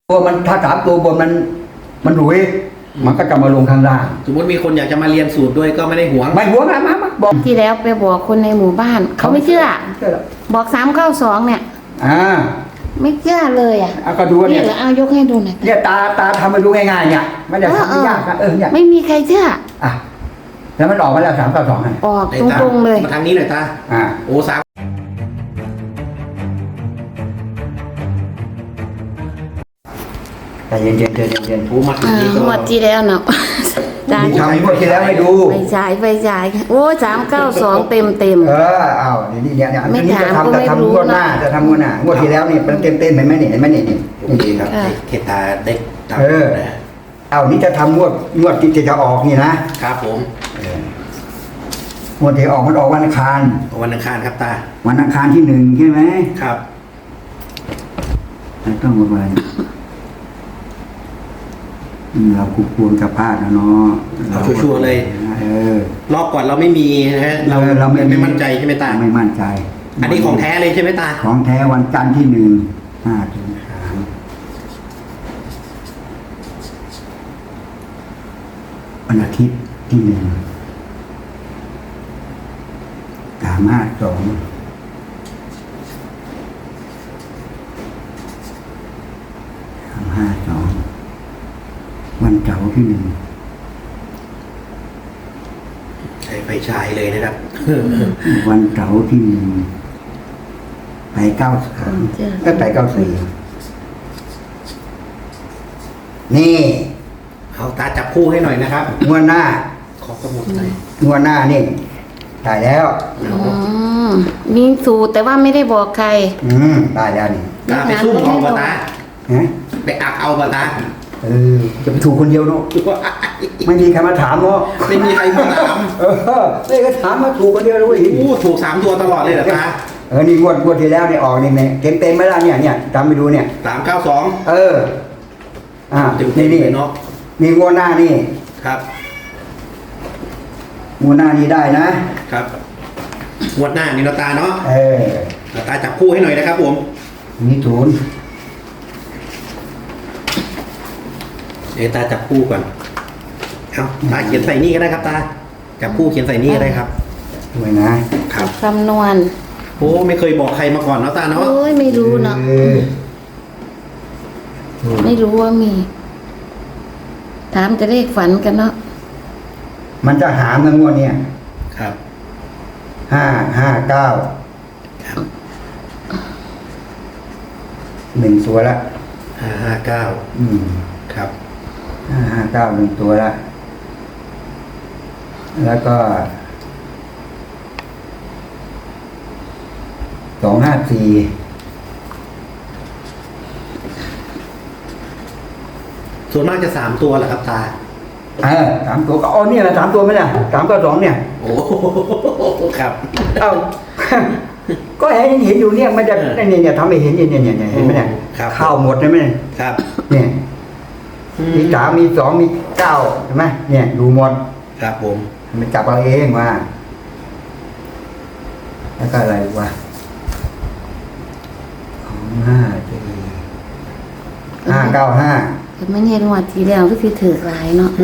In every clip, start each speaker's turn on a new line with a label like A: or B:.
A: ตัวมันถ้าสามตัวบนมันหลุยมันก็จะมาลงข้างล่าง
B: สมมติมีคนอยากจะมาเรียนสูตรด้วยก็ไม่ได้หวง
A: ไม่หวงนะมาบอก
C: ที่แล้วไปบอกคนในหมู่บ้านเขาไม่เชื่อบอก392เนี่ยไม่เชื่อเลย
A: ก็ดูเนี่ย
C: แล้วเอายกให้ดูหน่อย
A: เนี่ยตาทำมาดูง่ายๆเนี่ยไม่ได้ทำไม่ยากเนี่ย
C: ไม่มีใครเชื่อ
A: แล้วมันออกมาแล้ว392
C: ออกตรงๆเลย
B: มาทางนี้หน่อยตาโอ้3
A: แต่เย็น
B: ผู้มาถึงนี้ก็
C: หมดที่แล้วเนาะ
A: ทำหมดที่แล้วให้ดู
C: ไปฉายโอ้392เต็ม
A: เอาเนี่ยอันนี้จะทำงวดหน้าจะทำงวดหน้างวดที่แล้วนี่มันเต็มเห็นไหมนี่
B: ดีครับเขตตาเด็ก
A: นี่จะทำงวดที่จะออกนี่นะครับ
B: ผม
A: งวดที่ออกมันออกวันอังคาร
B: ครับตา
A: วันอังคารที่1ใช่ไหม
B: ครับ
A: ต้องวันเราควรจะพลาดนะเนาะ
B: เราชัวร์เลยรอบก่อนเราไม่มีนะฮะเราไม่มั่นใจใช่ไหมตา
A: ไม่มั่นใจ
B: อันนี้ของแท้เลยใช่ไหมตา
A: ของแท้วันจันทร์ที่1 5 ถึง 3วันอาทิตย์ที่1 352วันเสาร์ที่1
B: ใช้ไฟฉายเลยนะครับ
A: วันเสาร์ที่1ไป93ก็ไป94นี่
B: เอาตาจับคู่ให้หน่อยนะครับ
A: งวดหน้า
B: ขอสมุดหน่อย
A: งวดหน้านี่ได้แล้ว
C: มีสูตรแต่ว่าไม่ได้บอกใคร
A: ได้แล้วนี่
B: ตาไปซุ่มเอาปะตาไปอักเอาปะตา
A: จะไปถูกคนเดียวเนาะไม่มีใครมาถามเนาะ
B: ไม่มีใครมาถาม
A: ไม่ก็ถามมาถูกคนเดียวเลย
B: ถูก3 ตัวตลอดเลยเหรอตา
A: นี่งวดที่แล้วเนี่ยออกนี่เต็มไหมล่ะเนี่ยจำไปดูเนี่ย
B: 392
A: นี่
B: เนาะ
A: นี่งวดหน้านี่
B: ครับ
A: งวดหน้านี่ได้นะครับ
B: งวดหน้านี่ตาเนาะตาจับคู่ให้หน่อยนะครับผม
A: นี่ศูนย์
B: ตาจับคู่ก่อนตาเขียนใส่นี่ก็ได้ครับตาจับคู่เขียนใส่นี่ก็ได้ครับ
A: ด้วยนะครับ
C: คำนวณ
B: โอ้ไม่เคยบอกใครมาก่อนเนาะตาเนาะ
C: โอ้ยไม่รู้เนาะไม่รู้ว่ามีถามจะเลขฝันกันเนาะ
A: มันจะหามงวดเนี่ย
B: ครับ
A: 559 1 ตัวละ
B: 559ครับ
A: 559 1 ตัวละแล้วก็254
B: ส่วนมากจะ3 ตัวแหละครับตา
A: 3 ตัวก็นี่แหละ3 ตัวไหมล่ะ392เนี่ย
B: โอ้ครับ
A: ก็เห็นอยู่เนี่ยมันจะเนี่ยทำให้เห็นเนี่ยเห็นไหมเนี่ยข้าวหมดใช่ไหม
B: ครับ
A: เนี่ยมี3 มี 2 มี 9ใช่ไหมเนี่ยดูหมด
B: ครับผม
A: มันจับเอาเองว่าแล้วก็อะไรวะ595
C: ไม่เห็นว่าทีเดียวก็คือถือหลายเนาะ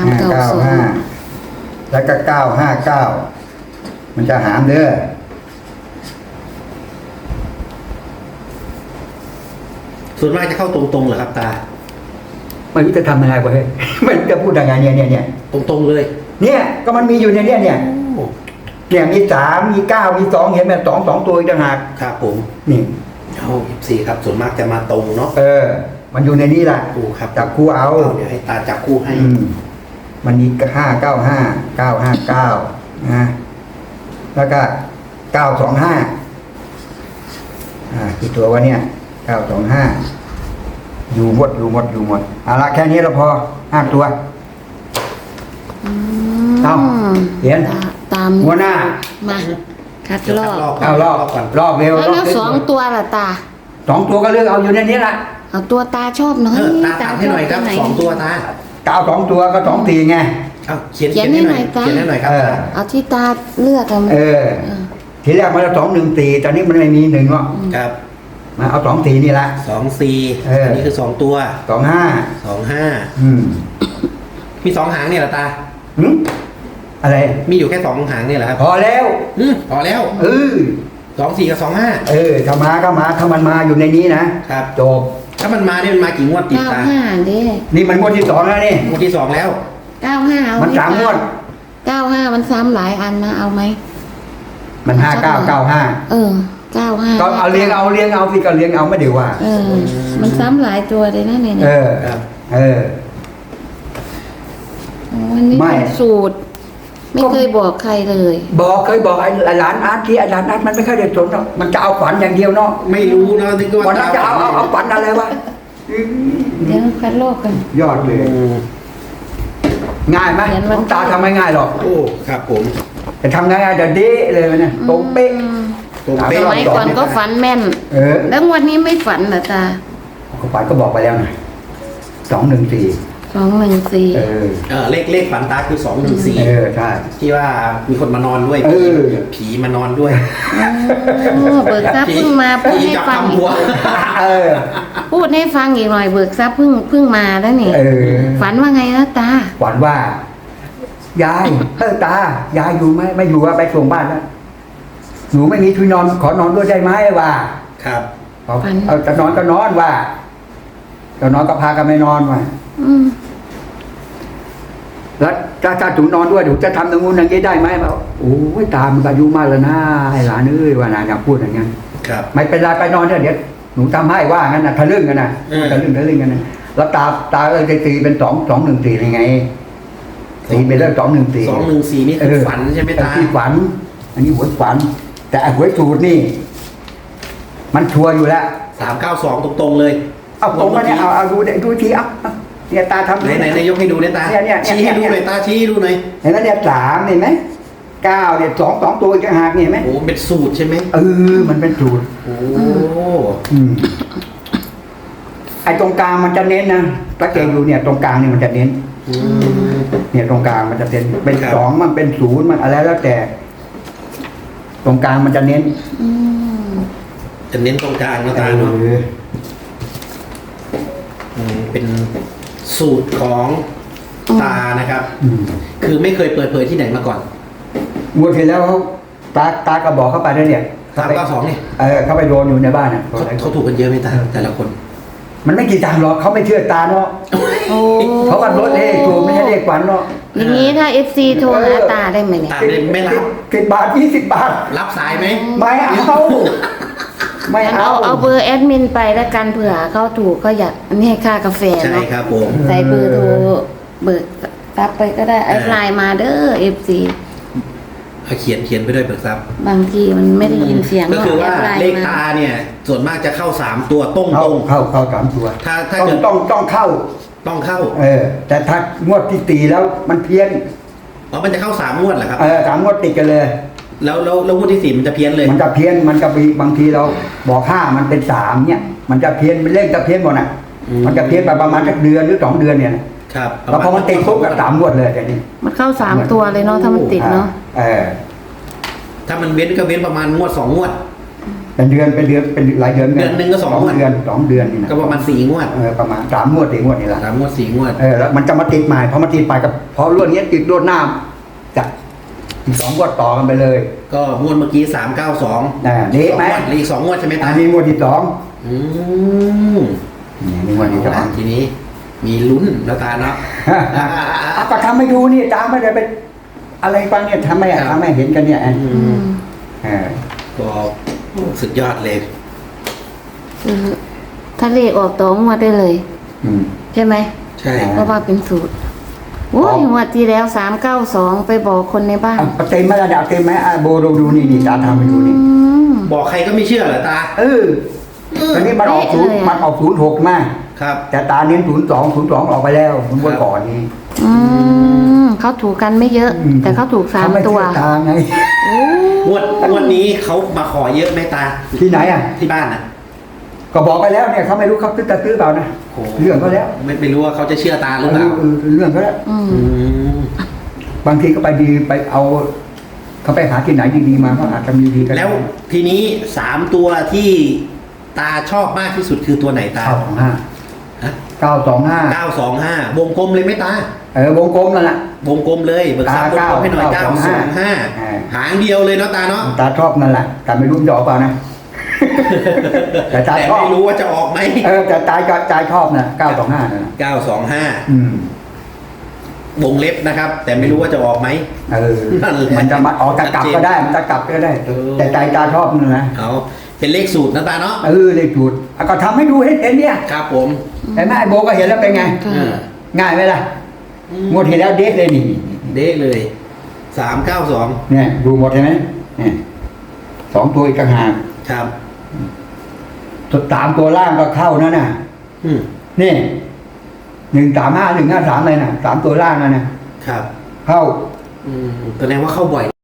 A: 392แล้วก็959มันจะหามเด้อ
B: ส่วนมากจะเข้าตรงๆเหรอครับตา
A: ไม่รู้จะทำยังไงวะเฮ้ยมันจะพูดยังไงเนี่ย
B: ตรงๆเลย
A: เนี่ยก็มันมีอยู่เนี่ยมี3 มี 9 มี 2เห็นไหม2 ตัวอีกต่างหาก
B: ครับผม
A: นี่
B: 4ครับส่วนมากจะมาตรงเนาะ
A: มันอยู่ในนี้แหละ
B: ครับ
A: จับคู่เอา
B: เดี๋ยวให้ตาจับคู่ให้
A: มันมี595 959นะแล้วก็925คือตัววะเนี่ย925อยู่หมดเอาละแค่นี้เราพอ5 ตัวเขียน
C: ตาม
A: หัวหน้า
C: มาคัดร
A: อบรอบเร็ว
C: แล้ว2 ตัวล่ะตา
A: 2 ตัวก็เลือกเอาอยู่ในนี้ละ
C: เอาตัวตาชอบหน่อย
B: ตาให้หน่อยครับ2 ตัวตา
A: 2 ตัวก็2 ตีไง
B: เขียนให้หน่อยครับ
C: เอาที่ตาเลือกกัน
A: ทีแรกมันจะ2 1 4ตอนนี้มันไม่มี1หรอก
B: ครับ
A: มาเอา24นี่ละ
B: 24
A: เอออั
B: นนี้คือ2ตัว
A: 25
B: 25
A: อืม
B: มี2หางเนี่ยเหรอตา
A: หึอะไร
B: มีอยู่แค่2หางเนี่ยเหรอครับ
A: พอแล้ว
B: พอแล้ว 24 กับ 25
A: ถ้ามาก็มาถ้ามันมาอยู่ในนี้นะครับ จบ
B: ถ้ามันมาเนี่ยมันมากี่งวดติดตา
C: 95ดิ
A: นี่มันงวดที่2แล้วนี่
B: งวดที่ 2 แล้ว
C: 95เอา
A: มัน3งวด
C: 95มันซ้ำหลายอันนะเอาไหม
A: มัน5995
C: เออ95
A: ก็เอาเลี้ยงเอาสิก็เลี้ยงเอาไม่เดี๋ยวว่า
C: เออ มันซ้ำหลายตัวเลยนะเนี่ย
B: ครับ
C: วันนี้
A: ไม่
C: เป็นสูตร ไม่เคยบอกใครเลย
A: เคยบอกไอ้หลานอาร์ตที่ไอ้หลานอาร์ตมันไม่ค่อยได้สนหรอกมันจะเอาฝันอย่างเดียวเนาะ
B: ไม่รู้นะที่ก็
A: วันนั้นจะเอาฝันอะไรวะ
C: เดี๋ยวคัดโลกกัน
A: ยอดเลย ง่ายไหม
C: เขียนวัน
A: น้องตาทำไม่ง่ายหรอก
B: โอ้ครับผม
A: แต่ทำง่ายๆแต่เด้เลยนะตรงเป๊ะ
B: ตรง
C: ส
B: เป๊ะ
C: มัยก่อนก็ฝันแม่น แล้ววันนี้ไม่ฝันเหรอตา
A: ก็ฝันก็บอกไปแล้วนะ214
C: 214
B: เลขฝันตาคือ214
A: ใช่
B: ที่ว่ามีคนมานอนด้วย ผีมานอนด้วย
C: เบิกทรัพย์เพิ่งมาพูด
B: ผี
C: ให้
B: จับ
C: ฟัง
B: ทำหัว
C: พูดให้ฟังอีกหน่อยเบิกทรัพย์เพิ่งมาแล้วนี่ฝันว่าไงนะตา
A: ฝันว่ายายตายายอยู่ไหมไม่อยู่ว่าไปส่งบ้านแล้วหนูไม่มีที่นอนขอนอนด้วยได้ไหมว่า
B: ครับ
A: เอาจะนอนก็นอนว่าจะนอนก็พากันไม่นอนว่า
C: อืม
A: แล้วถ้าถูนอนด้วยถูจะทำตรงนู้นอย่างนี้ได้ไหมบอกโอ้ยตามันก็อายุมากแล้วนะไอ้หลานเอ้ยว่านาอยากพูดอย่างนั้น
B: ครับ
A: ไม่เป็นไรไปนอนเถอะเดี๋ยวหนูทำให้ว่างั้นนะทะลึ่งกันนะทะลึ่งกันนะแล้วตาเลยตีเป็น214ยังไงตีไปแล้ว214
B: 214นี่คือฝันใช่ไหมตา
A: ที่ฝัน อันนี้หวยฝัน แต่หวยสูตรนี่ มันชัวร์อยู่แล้ว
B: 392ตรงๆเลย
A: เอาตรงมาเนี่ยเอาดูทีเอาเนี่ยตาทำ
B: ไหนยกให้ดูเนี่ยตา
A: เนี่ย
B: ชี้ให้ดูหน่อยตาชี้ให้ดูหน่อย
A: เห็นไหมเนี่ย3เห็นไหม9เนี่ย2ตัวจะหักเนี่ยเห็นไหม
B: โอ้เป็นสูตรใช่ไหม
A: มันเป็นสูตร
B: โอ้
A: ไอ้ตรงกลางมันจะเน้นนะตะเกียงอยู่เนี่ยตรงกลางเนี่ยมันจะเน้น เนี่ยตรงกลางมันจะเป็น2มันเป็น0มันอะไรแล้วแต่ ตรงกลางมันจะเน้น
B: จะเน้นตรงกลางนะตาเนาะเป็นสูตรของตานะครับ คือไม่เคยเปิดเผยที่ไหนมาก่อน
A: งวดที่แล้วตาก็บอกเข้าไปแล้วเนี่ย
B: 392เนี่ย
A: เขาไปโดนอยู่ในบ้านน่ะ
B: เขาถูกกันเยอะไหมตาแต่ละคน
A: มันไม่กี่ตังค์หรอกเขาไม่เชื่อตาเนาะ
C: โอ้
A: เขาก็ลดเลขถูกไม่ใช่เลขฝันเนาะ
C: อย่างนี้ถ้า FC โทรหาตาได้ไหมเนี่ย
B: ตาไม่รับ
A: 10 บาท20 บาท
B: รับสายไหม
A: ไม่เอาไม่
C: งั้น
A: เอา
C: เอาเบอร์แอดมินไปแล้วกันเผื่อเขาถูกก็อยากอันนี้ให้ค่ากาแฟ
B: ใช่
C: เนาะ
B: ครับผม
C: ใส่เบอร์โทรเบิกทรัพย์ไปก็ได้ไอ้ไลน์มาเด้อ FC
B: เอาเขียนไปด้วยเบิกทรัพย์
C: บางทีมันไม่ได้ยินเสียง
B: ก็คือว่า
C: แดไน์
B: เลข
C: ม
B: ตาเนี่ย ส่วนมากจะเข้า3ตัวตรง
A: เข้า3 ตัว
B: ถ้า
A: ต้อง
B: เกิด
A: ต้องเข้า
B: ต้องเข้า
A: แต่ถ้างวดที่ตีแล้วมันเพี้ยน
B: มันจะเข้า3งวดเหรอครับ
A: 3 งวดติดกันเลย
B: แล้วงวดที่4มันจะเพี้ยนเลย
A: มันจะเพี้ยนมันจะมีบางทีเราบอก5มันเป็น3เนี่ย มันจะเพี้ยนเป็นเลขจะเพี้ยนหมดน่ะ มันจะเพี้ยนไปประมาณสักเดือนหรือ2 เดือนเนี่ยนะครับ แล้วพอมันติดปุ๊บก็3 งวดเลยอย่างนี้
C: มันเข้า3ตัวเลยเนาะถ้ามันติดเนาะ
B: ถ้ามันเว้นก็เว้นประมาณงวด2งวด
A: เป็นเดือนเป็นหลายเดือน
B: เดือนหนึ่งก็2 งวด
A: เดือนนี่นะ
B: ก็ประมาณ4งวด
A: ประมาณ3 งวด4 งวดนี่แหละ
B: 3 งวด 4 งวด
A: แล้วมันจะมาติดใหม่พอมาติดใหม่กับพอรวดนี้ติดรวดหน้าจะอีก2 งวดต่อกันไปเลย
B: ก็งวดเมื่อกี้392
A: นี่ไหม
B: อีก2งวดใช่ไหมตา
A: อันนี้งวดที่2 นี่งวดที่
B: ทีนี้มีลุ้นนะตาเนาะ
A: ก็ทำให้ดูนี่ตามไม่ได้ไปอะไรฟังเนี่ยทำให้เห็นกันเนี่ย
B: ก็สุดยอดเลย
C: ถ้าเลขออกตัวงวดได้เลยใช่ไหม
B: ใช่
C: เพราะว่าเป็นสูตรโอ้ยงวดที่แล้ว392ไปบอกคนในบ้าน
A: เต็มไหมระดับเต็มไหมโบดูนี่ตาทำให้ดูนี่
B: บอกใครก็ไม่เชื่อเหรอตา
A: ตอนนี้มันออก06มา
B: ครับ
A: แต่ตาเน้น02ออกไปแล้วมันวันก่อนนี้
C: เขาถูกกันไม่เยอะ แต่เขาถูก3 ตัว
A: ตาไง
B: งวดนี้เขามาขอเยอะไหมตา
A: ที่ไหน
B: ที่บ้านน่ะ
A: ก็บอกไปแล้วเนี่ยเขาไม่รู้เขาซื้อเปล่านะเรื่องก็แล้ว
B: ไม่รู้ว่าเขาจะเชื่อตาหรือเปล่า
A: เรื่องก็แล้วบางทีก็ไปเอาเขาไปหาที่ไหนดีๆมาก็อาจจะมีดีกัน
B: แล้วทีนี้3ตัวที่ตาชอบมากที่สุดคือตัวไหนตา
A: 925
B: ฮะ
A: 925
B: 925วงกลมเลยไหมตาว
A: งกลมนั่นแหละ
B: วงกลมเลยเบิกทรัพย์วงกลมให้หน่อย
A: 925
B: 925หางเดียวเลยเนาะตาเนาะ
A: ตาชอบนั่นแหละแต่ไม่รู้มันจะออกเปล่านะ แต่ตา
B: แต่
A: ชอบ
B: ไม่รู้ว่าจะออกไหม
A: แต่ตาชอบนะ925นั่นแหละ
B: 925วงเล็บนะครับ แต่ไม่รู้ว่าจะออกไหม นั่นแหละ
A: มันจะมาออกจะกลับก็ได้ มันจะกลับก็ได้ แต่ใจตาชอบนั่นนะ
B: เอาเป็นเลขสูตรนะตาเนาะ
A: เลขจุดก็ทำให้ดูให้เห็นเนี่ย
B: ครับผม
A: เห็นไหมไอ้โบก็เห็นแล้วเป็นไง
C: ค่ะ
B: เออ
A: ง่ายไหมล่ะหมดเห็นแล้วเด็กเลยนี่
B: เด้เลย392
A: เนี่ยดูหมดเห็นไหมเนี่ย2 ตัวอีกต่างหาก
B: ครับ
A: สุด3 ตัวล่างก็เข้านั่นน่ะ
B: อืม
A: นี่135 153เลยน่ะ3 ตัวล่างนั่นน่ะ
B: ครับ
A: เข้า
B: แสดงว่าเข้าบ่อย